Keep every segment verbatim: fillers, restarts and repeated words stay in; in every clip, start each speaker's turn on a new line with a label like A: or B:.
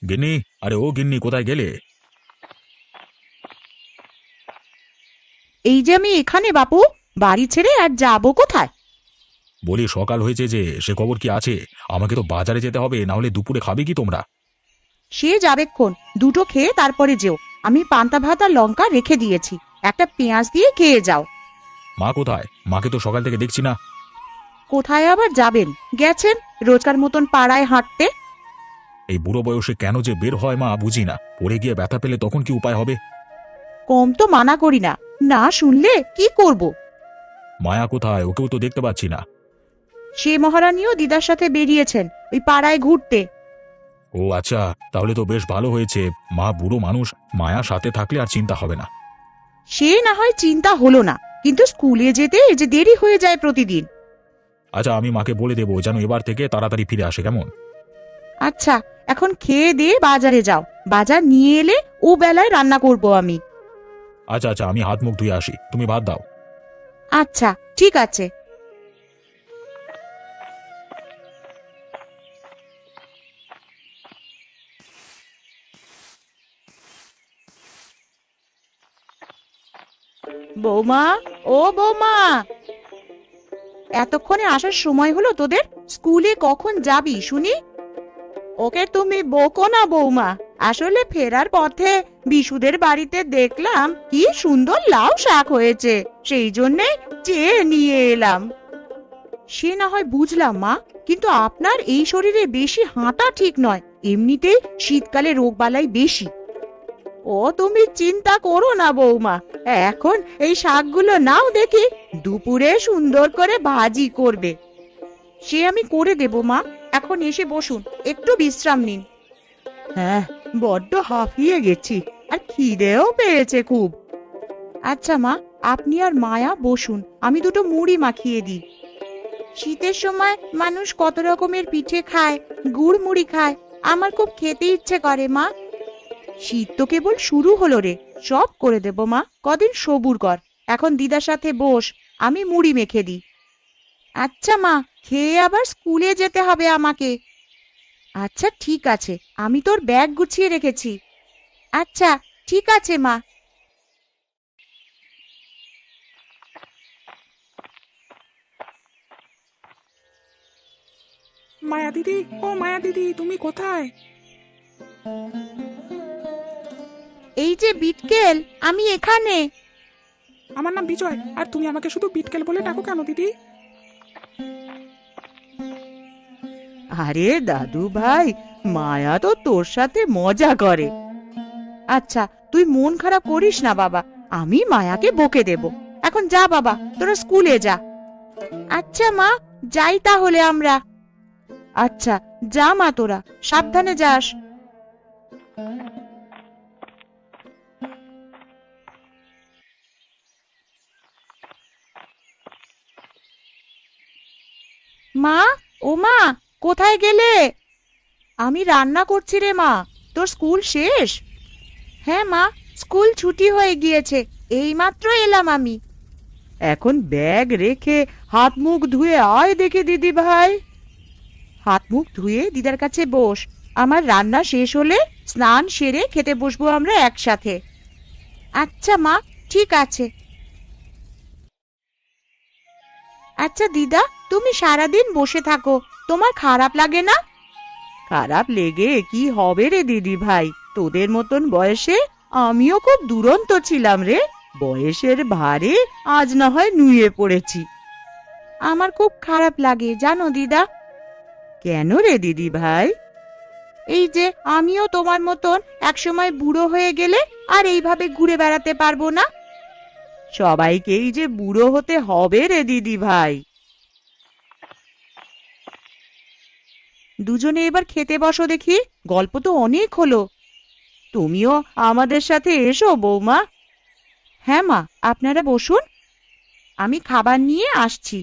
A: গিন্নি, আরে ও গিন্নি, কোথায় গেলে?
B: এই যে আমি এখানে বাপু, বাড়ি ছেড়ে আর যাবো কোথায়?
A: বলি সকাল হয়েছে যে, সে খবর কি আছে? আমাকে তো বাজারে যেতে হবে, না হলে দুপুরে খাবে কি তোমরা?
B: সে যাবেক্ষণ, দুটো খেয়ে তারপরে যেও। আমি পান্তা ভাত আর লঙ্কা রেখে দিয়েছি, একটা পেঁয়াজ দিয়ে খেয়ে যাও।
A: মা কোথায়? মাকে তো সকাল থেকে দেখছি না।
B: কোথায় আবার যাবেন, গেছেন রোজকার মতন পাড়ায় হাঁটতে।
A: এই বুড়ো বয়সে কেন যে বের হয় মা বুঝি না। পড়ে গিয়ে ব্যথা পেলে তখন কি উপায় হবে?
B: কম তো মানা করি না, না শুনলে কি করব?
A: মায়া কোথায়? ওকেও তো দেখতে পাচ্ছি না।
B: সে মহারানীও দিদার সাথে বেরিয়েছেন ওই পাড়ায় ঘুরতে।
A: ও আচ্ছা, তাহলে তো বেশ ভালো হয়েছে। মা বুড়ো মানুষ, মায়া সাথে থাকলে আর চিন্তা হবে না।
B: সে না হয় চিন্তা হলো না, কিন্তু স্কুলে যেতে এই যে দেরি হয়ে যায় প্রতিদিন।
A: আচ্ছা, আমি মাকে বলে দেবো যেন এবার থেকে তাড়াতাড়ি ফিরে আসে, কেমন?
B: আচ্ছা, এখন খেয়ে দিয়ে বাজারে যাও, বাজার নিয়ে এলে ও বেলায় রান্না করব আমি।
A: আচ্ছা আচ্ছা, আমি হাত মুখ ধুয়ে আসি, তুমি ভাত দাও।
B: আচ্ছা, ঠিক আছে। বৌমা, ও বৌমা, এতক্ষণে আসার সময় হলো তোদের? স্কুলে কখন যাবি শুনি? ওকে তুমি বকো না বৌমা, আসলে ফেরার পথে বিশুদের বাড়িতে দেখলাম কি সুন্দর লাউ শাক হয়েছে, সেই জন্যে চেয়ে নিয়ে এলাম। সে না হয় বুঝলাম মা, কিন্তু আপনার এই শরীরে বেশি হাঁটা ঠিক নয়, এমনিতেই শীতকালে রোগবালাই বেশি। ও তুমি চিন্তা করো না বৌমা, এখন এই শাকগুলো নাও দেখি, দুপুরে সুন্দর করে ভাজি করবে। সে আমি করে দেব মা, এখন এসে বসুন, একটু বিশ্রাম নিন। হ্যাঁ, বড্ড হাঁফিয়ে গেছি, আর খিদেও পেয়েছে খুব। আচ্ছা মা, আপনি আর মায়া বসুন, আমি দুটো মুড়ি মাখিয়ে দিই। শীতের সময় মানুষ কত রকমের পিঠে খায়, গুড় মুড়ি খায়, আমার খুব খেতে ইচ্ছে করে মা। শীত তো কেবল শুরু হলো রে, সব করে দেব মা, কদিন সবুর কর। এখন দিদার সাথে বস, আমি মুড়ি মেখে দিই। আচ্ছা মা, খেয়ে আবার স্কুলে যেতে হবে আমাকে। আচ্ছা ঠিক আছে, আমি তোর ব্যাগ গুছিয়ে রেখেছি। আচ্ছা ঠিক আছে মা।
C: মায়া দিদি, ও মায়া দিদি, তুমি কোথায়?
B: এই যে বিটকেল, আমি এখানে।
C: আমার নাম বিজয়, আর তুমি আমাকে শুধু বিটকেল বলে ডাকো কেন দিদি?
B: আরে দাদু ভাই, মায়া তো তোর সাথে মজা করে। আচ্ছা, তুই মন খারাপ করিস না বাবা, আমি মায়াকে বকে দেব। এখন যা বাবা, তোরা স্কুলে যা। আচ্ছা মা, যাই তাহলে আমরা। আচ্ছা, যা মা, তোরা সাবধানে যাস। মা, ও মা, কোথায় গেলে? আমি রান্না করছি রে মা। তোর স্কুল শেষ? হ্যাঁ মা, স্কুল ছুটি হয়ে গিয়েছে, এইমাত্র এলাম আমি। এখন ব্যাগ রেখে হাত মুখ ধুয়ে আয় দেখে দিদি ভাই। হাত মুখ ধুয়ে দিদার কাছে বস, আমার রান্না শেষ হলে স্নান সেরে খেতে বসবো আমরা একসাথে। আচ্ছা মা, ঠিক আছে। আচ্ছা দিদা, তুমি সারাদিন বসে থাকো, তোমার খারাপ লাগে না? খারাপ লেগে কি হবে রে দিদি ভাই, তোদের মতন বয়সে আমিও খুব দুরন্ত ছিলাম রে, বয়সের ভারে আজ না হয় নুয়ে পড়েছি। আমার খুব খারাপ লাগে জানো দিদা। কেন রে দিদি ভাই? এই যে আমিও তোমার মতন একসময় বুড়ো হয়ে গেলে আর এইভাবে ঘুরে বেড়াতে পারবো না। সবাইকেই যে বুড়ো হতে হবে রে দিদি ভাই। দুজনে এবার খেতে বসো দেখি, গল্প তো অনেক হলো। তুমিও আমাদের সাথে এসো বৌমা। হ্যাঁ মা, আপনারা বসুন, আমি খাবার নিয়ে আসছি।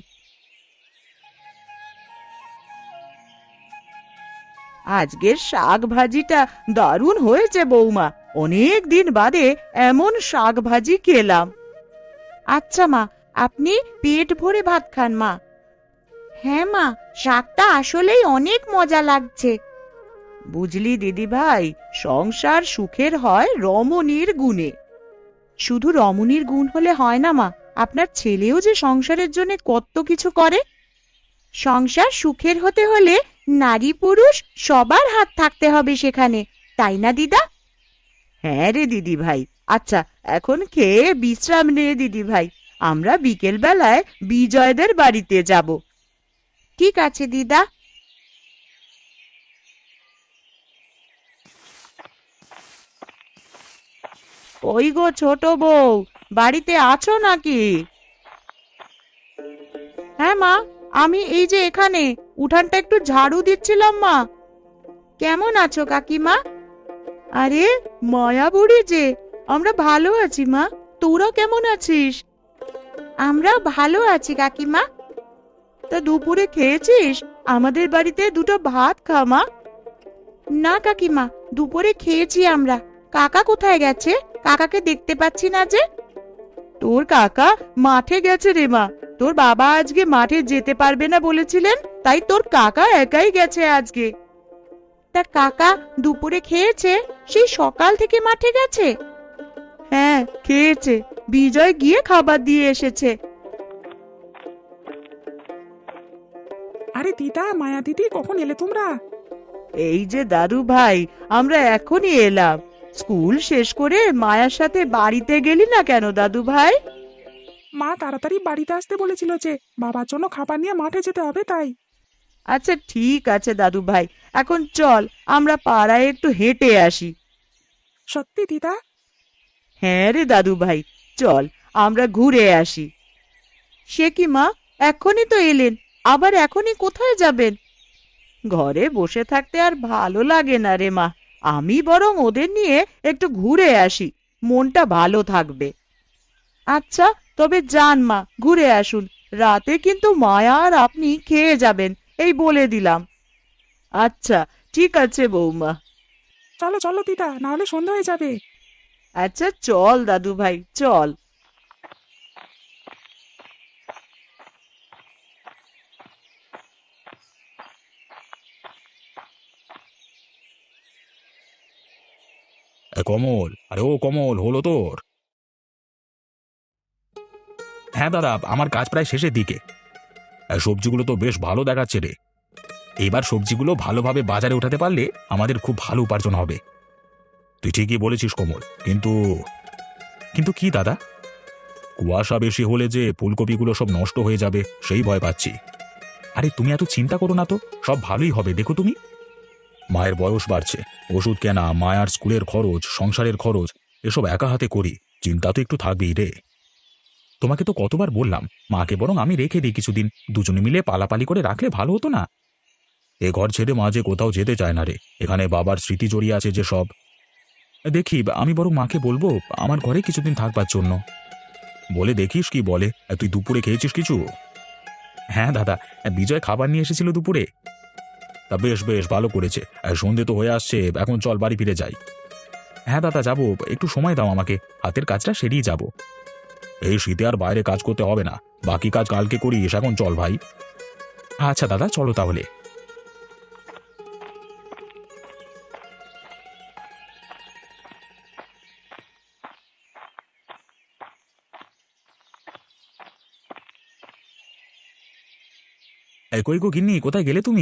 B: আজকের শাক ভাজিটা দারুণ হয়েছে বৌমা, অনেক দিন বাদে এমন শাক ভাজি খেলাম। আচ্ছা মা, আপনি পেট ভরে ভাত খান মা। হ্যাঁ মা, শাকটা আসলেই অনেক মজা লাগছে। বুঝলি দিদি ভাই, সংসার সুখের হয় রমণীর গুণে। শুধু রমণীর গুণ হলে হয় না মা, আপনার ছেলেও যে সংসারের জন্য কত কিছু করে। সংসার সুখের হতে হলে নারী পুরুষ সবার হাত থাকতে হবে সেখানে, তাই না দিদা? হ্যাঁ রে দিদি ভাই। আচ্ছা, এখন খেয়ে বিশ্রাম নে দিদি ভাই, আমরা বিকেল বেলায় বিজয়দের বাড়িতে যাব। ঠিক আছে দিদা। ওই গো ছোট বউ, বাড়িতে আছো নাকি? হ্যাঁ মা, আমি এই যে এখানে উঠানটা একটু ঝাড়ু দিচ্ছিলাম মা। কেমন আছো কাকিমা? আরে মায়া বুড়ি যে, আমরা ভালো আছি মা, তোরা কেমন আছিস? আমরাও ভালো আছি কাকিমা। তা দুপুরে খেয়েছিস? আমাদের বাড়িতে দুটো ভাত খা মা। না কাকিমা, দুপুরে খেয়েছি আমরা। কাকা কোথায় গেছে? কাকাকে দেখতে পাচ্ছি না যে। তোর কাকা মাঠে গেছে রে মা, তোর বাবা আজকে মাঠে যেতে পারবে না বলেছিলেন, তাই তোর কাকা একাই গেছে আজকে। তা কাকা দুপুরে খেয়েছে? সেই সকাল থেকে মাঠে গেছে? হ্যাঁ খেয়েছে, বিজয় গিয়ে খাবার দিয়ে এসেছে।
C: আরে দিদা, মায়া দিদি, কখন এলে তোমরা?
B: এই যে দাদু ভাই, আমরা এখনই এলাম। স্কুল শেষ করে মায়ার সাথে বাড়িতে গেলি না কেন দাদু ভাই?
C: মা তাড়াতাড়ি বাড়িতে আসতে বলেছিল যে বাবার জন্য খাবার নিয়ে মাঠে যেতে হবে, তাই।
B: আচ্ছা ঠিক আছে দাদু ভাই, এখন চল আমরা পাড়ায় একটু হেঁটে আসি।
C: সত্যি দিদা?
B: হ্যাঁ রে দাদু ভাই, চল আমরা ঘুরে আসি। সে কি মা, এখনই তো এলেন, আবার এখনই কোথায় যাবেন? ঘরে বসে থাকতে আর ভালো লাগে না রে মা, আমি বরং ওদের নিয়ে একটু ঘুরে আসি, মনটা ভালো থাকবে। আচ্ছা তবে যান মা, ঘুরে আসুন। রাতে কিন্তু মায়া আর আপনি খেয়ে যাবেন, এই বলে দিলাম। আচ্ছা ঠিক আছে বৌমা।
C: চলো চলো দিদা, না হলে সন্ধ্যা হয়ে যাবে।
B: আচ্ছা চল দাদু ভাই, চল।
A: এ কমল, আরে ও কমল, হলো তোর? হ্যাঁ দাদা, আমার কাজ প্রায় শেষের দিকে। এ, সবজিগুলো তো বেশ ভালো দেখাচ্ছে রে। এইবার সবজিগুলো ভালোভাবে বাজারে উঠাতে পারলে আমাদের খুব ভালো উপার্জন হবে। তুই ঠিকই বলেছিস কমল, কিন্তু কিন্তু কি দাদা? কুয়াশা বেশি হলে যে ফুলকপিগুলো সব নষ্ট হয়ে যাবে সেই ভয় পাচ্ছি। আরে তুমি এত চিন্তা করো না তো, সব ভালোই হবে, দেখো তুমি। মায়ের বয়স বাড়ছে, ওষুধ কেনা, মায়ার স্কুলের খরচ, সংসারের খরচ, এসব একা হাতে করি, চিন্তা তো একটু থাকবেই রে। তোমাকে তো কতবার বললাম, মাকে বরং আমি রেখে দিই কিছুদিন, দুজনে মিলে পালাপালি করে রাখলে ভালো হতো না? এ ঘর ছেড়ে মা যে কোথাও যেতে চায় না রে, এখানে বাবার স্মৃতি জড়িয়ে আছে যে সব। দেখি, আমি বরং মাকে বলবো আমার ঘরে কিছুদিন থাকবার জন্য। বলে দেখিস কি বলে। তুই দুপুরে খেয়েছিস কিছু? হ্যাঁ দাদা, বিজয় খাবার নিয়ে এসেছিল দুপুরে। তা বেশ বেশ ভালো করেছে। সন্ধে তো হয়ে আসছে, এখন চল বাড়ি ফিরে যাই। হ্যাঁ দাদা যাবো, একটু সময় দাও আমাকে, হাতের কাজটা সেরেই যাব। এই শীতে আর বাইরে কাজ করতে হবে না, বাকি কাজ কালকে করিস, এখন চল ভাই। আচ্ছা দাদা, চলো তাহলে। এই কই গো গিন্নি, কোথায় গেলে তুমি?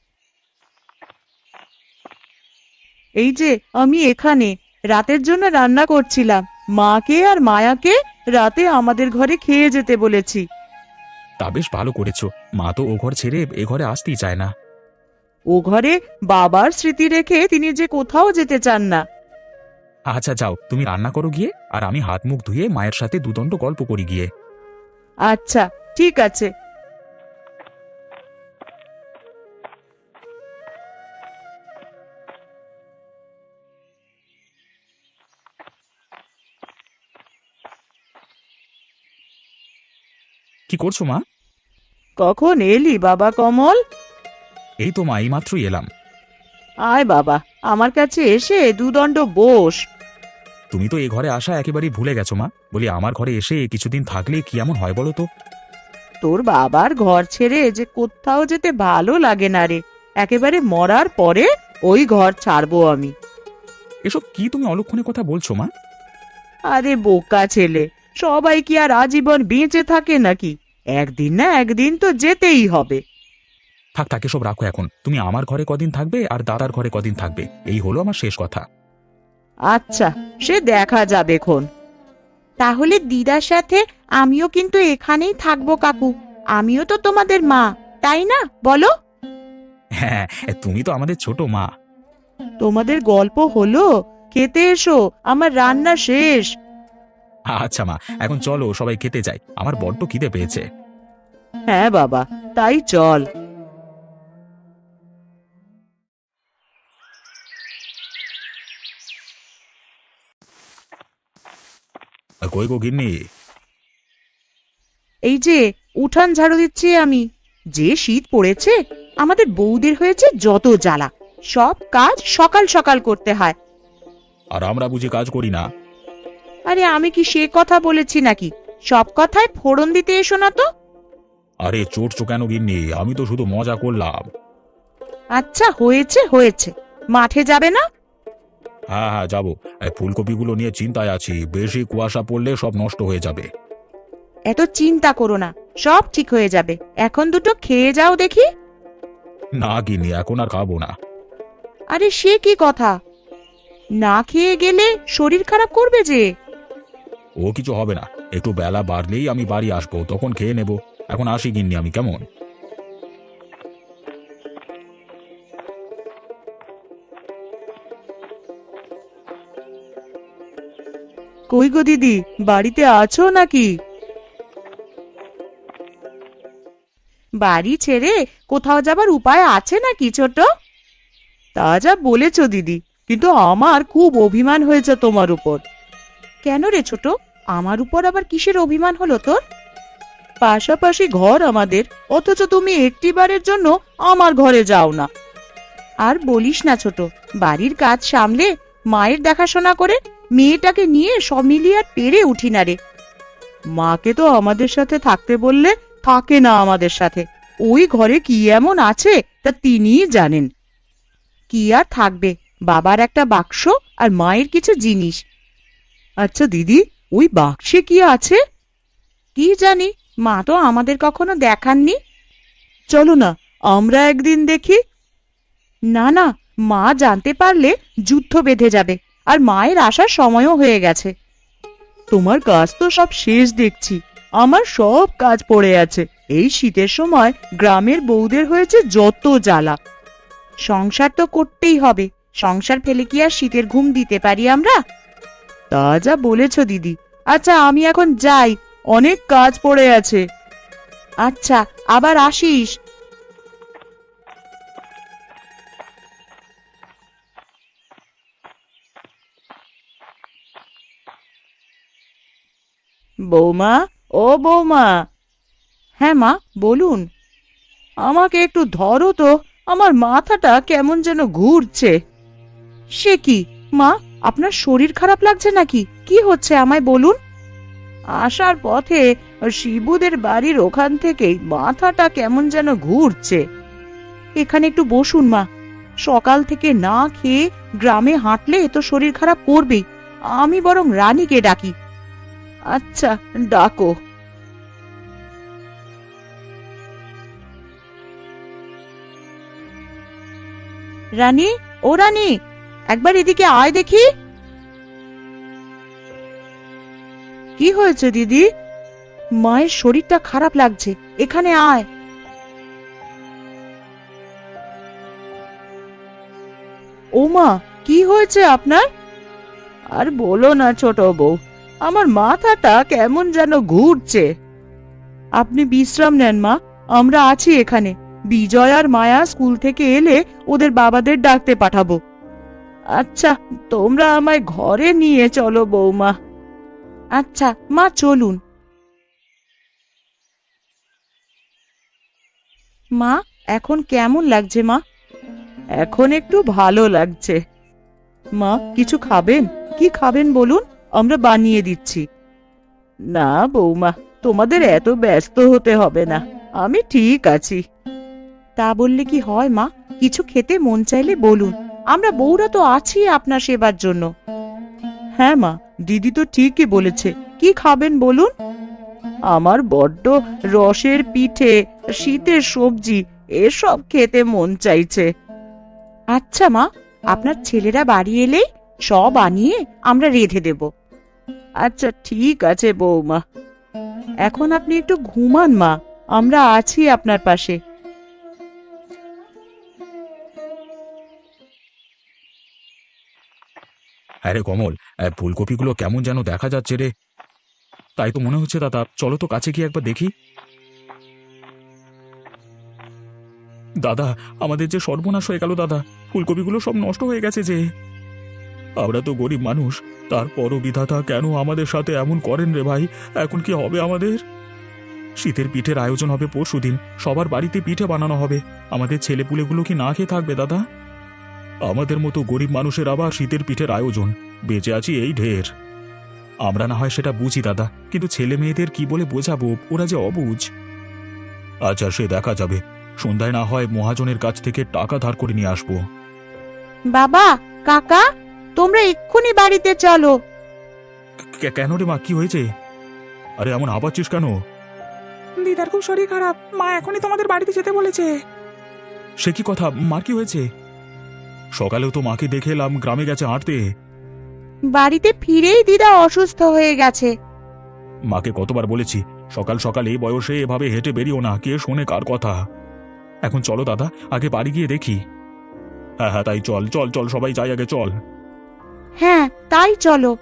B: এই যে আমি এখানে রাতের জন্য রান্না করছিলাম, মাকে আর মায়াকে রাতে আমাদের ঘরে খেয়ে যেতে বলেছি।
A: তা বেশ ভালো করেছো, মা তো ও ঘর ছেড়ে এ ঘরে আসতেই চায় না।
B: ও ঘরে বাবার স্মৃতি রেখে তিনি যে কোথাও যেতে চান না।
A: আচ্ছা যাও, তুমি রান্না করো গিয়ে, আর আমি হাত মুখ ধুয়ে মায়ের সাথে দুদণ্ড গল্প করি গিয়ে।
B: আচ্ছা ঠিক আছে।
A: কি করছো মা?
B: কখন এলি বাবা কমল?
A: এই তো মা, এই মাত্রই এলাম।
B: আয় বাবা, আমার কাছে এসে দুদণ্ড বস।
A: তুমি তো এ ঘরে আসা একেবারেই ভুলে গেছো মা, বলি আমার ঘরে এসে কিছুদিন থাকলে কি এমন হয় বলো তো?
B: তোর বাবার ঘর ছেড়ে যে কোথাও যেতে ভালো লাগে না রে, একেবারে মরার পরে ওই ঘর ছাড়বো আমি।
A: এসব কি তুমি অলক্ষণে কথা বলছো মা?
B: আরে বোকা ছেলে, সবাই কি আর আজীবন বেঁচে থাকে নাকি? একদিন না একদিন তো যেতেই হবে।
A: থাক থাক, এসব রাখো এখন। তুমি আমার ঘরে কদিন থাকবে আর দাদার ঘরে কদিন থাকবে, এই হলো আমার শেষ কথা।
B: আচ্ছা, সে দেখা যাবে খন। তাহলে দিদার সাথে আমিও কিন্তু এখানেই থাকবো কাকু। আমিও তো তোমাদের মা, তাই না বলো?
A: হ্যাঁ, তুমি তো আমাদের ছোট মা।
B: তোমাদের গল্প হলো, খেতে এসো, আমার রান্না শেষ।
A: আচ্ছা মা, এখন চলো সবাই খেতে যাই, আমার বড্ড খিদে পেয়েছে।
B: হ্যাঁ বাবা, তাই চল।
A: কই গো গিন্নি?
B: এই যে উঠান ঝাড়ু দিচ্ছি আমি। যে শীত পড়েছে, আমাদের বউদের হয়েছে যত জ্বালা। সব কাজ সকাল সকাল করতে হয়।
A: আর আমরা বুঝি কাজ করি না?
B: আরে আমি কি সে কথা বলেছি নাকি? সব কথায় ফোড়ন দিতে এসো না তো।
A: আরে চটছো কেন গিন্নি? আমি তো শুধু মজা করলাম।
B: আচ্ছা হয়েছে হয়েছে, মাঠে যাবে না?
A: হ্যাঁ হ্যাঁ যাবো। এই ফুলকপিগুলো নিয়ে চিন্তায় আছি, বেশি কুয়াশা পড়লে সব নষ্ট হয়ে যাবে।
B: এত চিন্তা করো না, সব ঠিক হয়ে যাবে। এখন দুটো খেয়ে যাও দেখি।
A: না গিন্নি, এখন আর খাবো না।
B: আরে সে কি কথা? না খেয়ে গেলে শরীর খারাপ করবে যে।
A: ও কিছু হবে না, একটু বেলা বাড়লেই আমি বাড়ি আসবো, তখন খেয়ে নেব। এখন আসি গিন্নি আমি, কেমন?
B: কই গো দিদি, বাড়িতে আছো নাকি? বাড়ি ছেড়ে কোথাও যাবার উপায় আছে নাকি ছোট? তা যা বলেছো দিদি, কিন্তু আমার খুব অভিমান হয়েছে তোমার উপর। কেন রে ছোট, আমার উপর আবার কিসের অভিমান হলো তোর? পাশাপাশি ঘর আমাদের, অথচ তুমি একটিবারের জন্য আমার ঘরে যাও না। আর বলিস না ছোট, বাড়ির কাজ সামলে, মায়ের দেখাশোনা করে মেয়েটাকে নিয়ে সব মিলিয়ে আর পেরে উঠি না রে। মাকে তো আমাদের সাথে থাকতে বললে থাকে না আমাদের সাথে। ওই ঘরে কি এমন আছে তা তিনিই জানেন। কি আর থাকবে, বাবার একটা বাক্স আর মায়ের কিছু জিনিস। আচ্ছা দিদি, ওই বাক্সে কি আছে? কি জানি, মা তো আমাদের কখনো দেখাননি। চলো না, আমরা একদিন দেখি। না না, মা জানতে পারলে যুদ্ধ বেঁধে যাবে, আর মায়ের আসার সময়ও হয়ে গেছে। তোমার কাজ তো সব শেষ দেখছি। আমার সব কাজ পড়ে আছে। এই শীতের সময় গ্রামের বউদের হয়েছে যত জ্বালা। সংসার তো করতেই হবে, সংসার ফেলে কি আর শীতের ঘুম দিতে পারি আমরা? তা যা বলেছ দিদি। আচ্ছা আমি এখন যাই, অনেক কাজ পড়ে আছে। আচ্ছা, আবার আসিস। বৌমা, ও বৌমা। হ্যাঁ মা, বলুন। আমাকে একটু ধরো তো, আমার মাথাটা কেমন যেন ঘুরছে। সে কি মা, আপনার শরীর খারাপ লাগছে নাকি? কি হচ্ছে আমায় বলুন। আসার পথে শিবুদের বাড়ির ওখান থেকেই মাথাটা কেমন যেন ঘুরছে। এখানে একটু বসুন মা। সকাল থেকে না খেয়ে গ্রামে হাঁটলে তো শরীর খারাপ করবেই। আমি বরং রানীকে ডাকি। আচ্ছা, ডাকো। রানী, ও রানী, একবার এদিকে আয় দেখি। কি হয়েছে দিদি? মায়ের শরীরটা খারাপ লাগছে, এখানে আয়। ও মা, কি হয়েছে আপনার? আর বলো না ছোট বউ, আমার মাথাটা কেমন যেন ঘুরছে। আপনি বিশ্রাম নেন মা, আমরা আছি এখানে। বিজয় আর মায়া স্কুল থেকে এলে ওদের বাবাদের ডাকতে পাঠাবো। আচ্ছা, তোমরা আমায় ঘরে নিয়ে চলো বৌমা। আচ্ছা মা, চলুন। মা, এখন কেমন লাগছে মা? এখন একটু ভালো লাগছে। মা, কিছু খাবেন? কি খাবেন বলুন, আমরা বানিয়ে দিচ্ছি। না বৌমা, তোমাদের এত ব্যস্ত হতে হবে না, আমি ঠিক আছি। তা বললে কি হয় মা? কিছু খেতে মন চাইলে বলুন, আমরা বউরা তো আছি আপনার সেবার জন্য। হ্যাঁ মা, দিদি তো ঠিকই বলেছে। কি খাবেন বলুন? আমার বড্ড রসের পিঠে, শীতের সবজি এসব খেতে মন চাইছে। আচ্ছা মা, আপনার ছেলেরা বাড়ি এলেই সব আনিয়ে আমরা রেঁধে দেব। আচ্ছা ঠিক আছে বৌমা, এখন আপনি একটু ঘুমান মা, আমরা আছি আপনার পাশে।
A: আরে কমল, আহ, ফুলকপিগুলো কেমন যেন দেখা যাচ্ছে রে। তাই তো মনে হচ্ছে দাদা, চলো তো কাছে গিয়ে একবার দেখি। দাদা, আমাদের যে সর্বনাশ হয়ে গেল দাদা, ফুলকপিগুলো সব নষ্ট হয়ে গেছে যে। আমরা তো গরিব মানুষ, তারপরও বিধাতা কেন আমাদের সাথে এমন করেন রে ভাই। এখন কি হবে আমাদের? শীতের পিঠের আয়োজন হবে পরশুদিন, সবার বাড়িতে পিঠে বানানো হবে। আমাদের ছেলেপুলেগুলো কি না খেয়ে থাকবে দাদা? আমাদের মতো গরিব মানুষের আবার শীতের পিঠের আয়োজন, বেঁচে আছি এই ঢের। আমরা না হয় সেটা বুঝি দাদা, কিন্তু ছেলে মেয়েদের কি বলে বোঝাবো, ওরা যে অবুঝ। আচ্ছা সে দেখা যাবে, সন্ধ্যায় না হয় মহাজনের কাছ থেকে টাকা ধার করে নিয়ে আসবো।
B: বাবা, কাকা, তোমরা এক্ষুনি বাড়িতে চলো।
A: কে- কেন রে মা, কি হয়েছে? আরে এমন হাঁপাচ্ছিস কেন?
C: দিদার খুব শরীর খারাপ, মা এখনই তোমাদের বাড়িতে যেতে বলেছে।
A: সে কি কথা, মার কি হয়েছে? সকালেও তো মাকে দেখে এলাম গ্রামে গেছে হাঁটতে।
B: বাড়িতে ফিরেই দিদা অসুস্থ হয়ে গেছে।
A: মাকে কতবার বলেছি সকাল সকাল এই বয়সে এভাবে হেঁটে বেরিও না, কে শোনে কার কথা। এখন চলো দাদা, আগে বাড়ি গিয়ে দেখি। হ্যাঁ হ্যাঁ তাই চল চল চল, সবাই যাই আগে চল।
B: হ্যাঁ তাই চলো।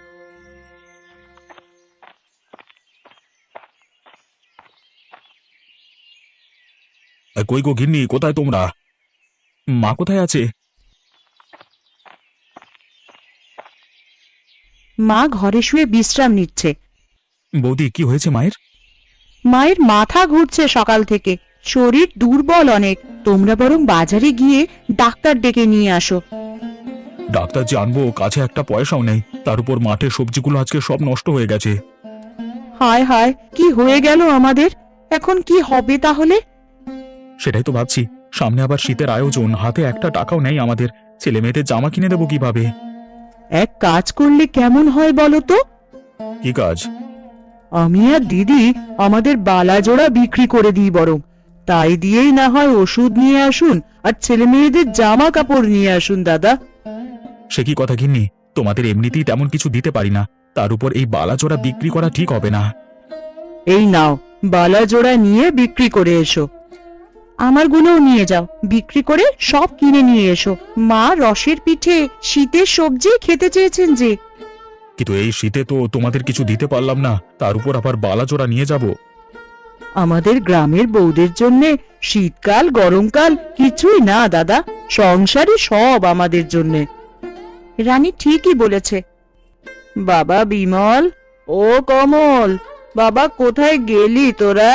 A: এ, কই গো গিন্নি, কোথায় তোমরা? মা কোথায় আছে?
B: মা ঘরে শুয়ে বিশ্রাম নিচ্ছে।
A: বৌদি, কি হয়েছে মায়ের?
B: মায়ের মাথা ঘুরছে সকাল থেকে, শরীর দুর্বল অনেক। তোমরা বরং বাজারে গিয়ে ডাক্তার ডেকে নিয়ে আসো।
A: ডাক্তার যে আনবো, কাছে একটা পয়সাও নেই, তার উপর মাঠের সবজিগুলো আজকে সব নষ্ট হয়ে গেছে।
B: হায় হায়, কি হয়ে গেল আমাদের? এখন কি হবে তাহলে?
A: সেটাই তো ভাবছি, সামনে আবার শীতের আয়োজন, হাতে একটা টাকাও নেই আমাদের। ছেলে মেয়েদের জামা কিনে দেবো কিভাবে?
B: এক কাজ করলে কেমন হয় বলো তো?
A: কি কাজ?
B: আমি আর দিদি আমাদের বালা জোড়া বিক্রি করে দিই বরং। তাই দিয়েই না হয় ওষুধ নিয়ে আসুন আর ছেলে মেয়েদের জামা কাপড় নিয়ে আসুন দাদা।
A: সে কি কথা গিন্নি, তোমাদের এমনিতেই তেমন কিছু দিতে পারি না, তার উপর এই বালাচোরা বিক্রি করা ঠিক হবে না।
B: এই নাও, বালা জোড়া নিয়ে বিক্রি করে এসো। আমার গুলোও নিয়ে যাও, বিক্রি করে সব কিনে নিয়ে এসো। মা রসের পিঠে, শীতের সবজি খেতে চেয়েছেন যে।
A: কিন্তু এই শীতে তো তোমাদের কিছু দিতে পারলাম না, তার উপর আবার বালাচোরা নিয়ে যাব।
B: আমাদের গ্রামের বউদের জন্যে শীতকাল গরমকাল কিছুই না দাদা, সংসারই সব আমাদের জন্যে। রানী ঠিকই বলেছে। বাবা বিমল, ও কমল, বাবা কোথায় গেলি তোরা?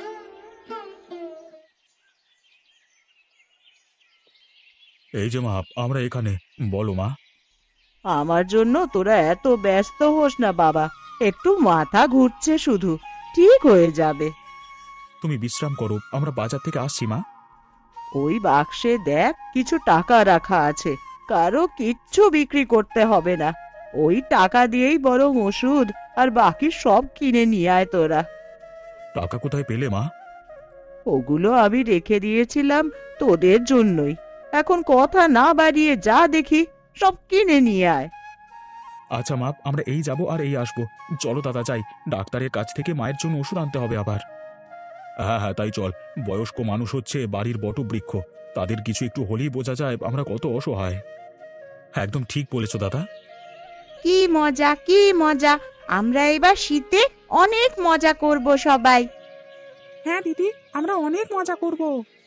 A: এই যে মা, আমরা এখানে, বলো মা।
B: আমার জন্য তোরা এত ব্যস্ত হোস না বাবা, একটু মাথা ঘুরছে শুধু, ঠিক হয়ে যাবে।
A: তুমি বিশ্রাম করো, আমরা বাজার থেকে আসছি মা।
B: ওই বাক্সে দেখ কিছু টাকা রাখা আছে, কারো কিচ্ছু বিক্রি করতে হবে না। ওই টাকা দিয়েই বরং ওষুধ আর বাকি সব কিনে নিয়ে আয় তোরা।
A: টাকা কোথায় পেলে মা?
B: ওগুলো আমি রেখে দিয়েছিলাম তোদের জন্যই। এখন কথা না বাড়িয়ে যা দেখি সব কিনে নিয়ে আয়।
A: আচ্ছা মা, আমরা এই যাব আর এই আসবো। চলো দাদা যাই, ডাক্তারের কাছ থেকে মায়ের জন্য ওষুধ আনতে হবে আবার। হ্যাঁ হ্যাঁ তাই চল, বয়স্ক মানুষ হচ্ছে বাড়ির বটবৃক্ষ, তাদের কিছু একটু হলেই বোঝা যায় আমরা কত অসহায়। হ্যাঁ একদম ঠিক বলেছো দাদা।
B: কি মজা, কি মজা! আমরা এবার শীতে অনেক মজা করব সবাই।
C: হ্যাঁ দিদি, আমরা অনেক মজা করব।